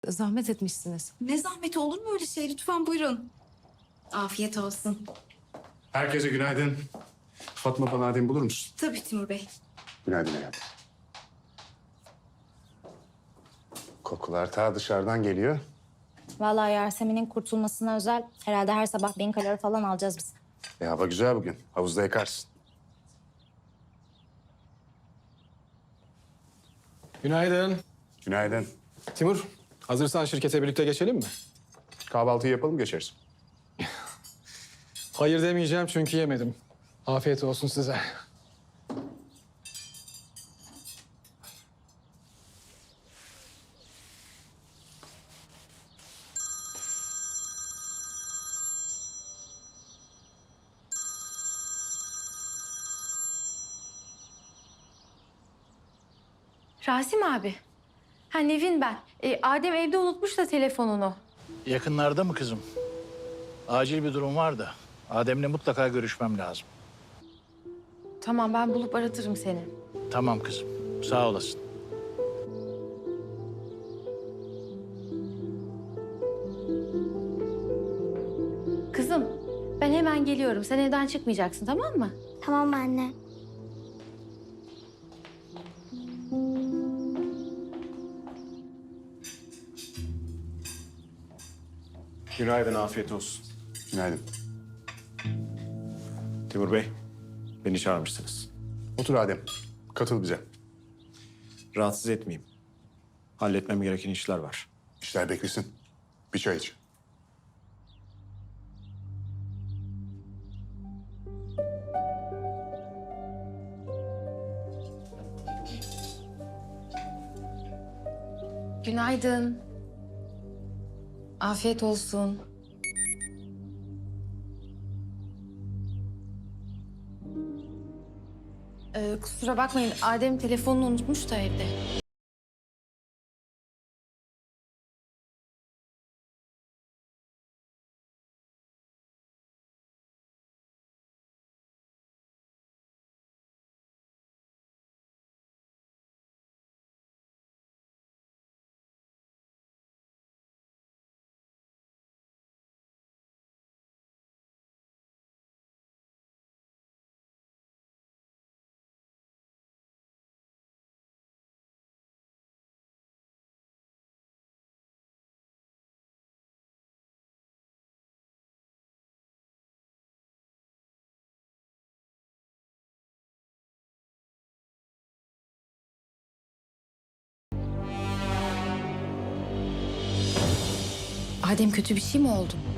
Zahmet etmişsiniz. Ne zahmeti, olur mu öyle şey? Lütfen buyurun. Afiyet olsun. Herkese günaydın. Fatma, bana Adem bulur musun? Tabii Timur Bey. Günaydın hayatım. Kokular ta dışarıdan geliyor. Vallahi Yasemin'in kurtulmasına özel herhalde her sabah 1000 kalori falan alacağız biz. Hava güzel bugün. Havuzda yakarsın. Günaydın. Günaydın. Timur, hazırsan şirkete birlikte geçelim mi? Kahvaltıyı yapalım, geçeriz. Hayır demeyeceğim çünkü yemedim. Afiyet olsun size. Rasim abi. Ha Nevin ben. Adem evde unutmuş da telefonunu. Yakınlarda mı kızım? Acil bir durum var da. Adem'le mutlaka görüşmem lazım. Tamam ben bulup aratırım seni. Tamam kızım. Sağ olasın. Kızım ben hemen geliyorum. Sen evden çıkmayacaksın tamam mı? Tamam anne. Günaydın, afiyet olsun. Günaydın. Timur Bey, beni çağırmışsınız. Otur Adem. Katıl bize. Rahatsız etmeyeyim. Halletmem gereken işler var. İşler beklesin. Bir çay iç. Günaydın. Afiyet olsun. Kusura bakmayın Adem telefonunu unutmuş da evde. Adem kötü bir şey mi oldu?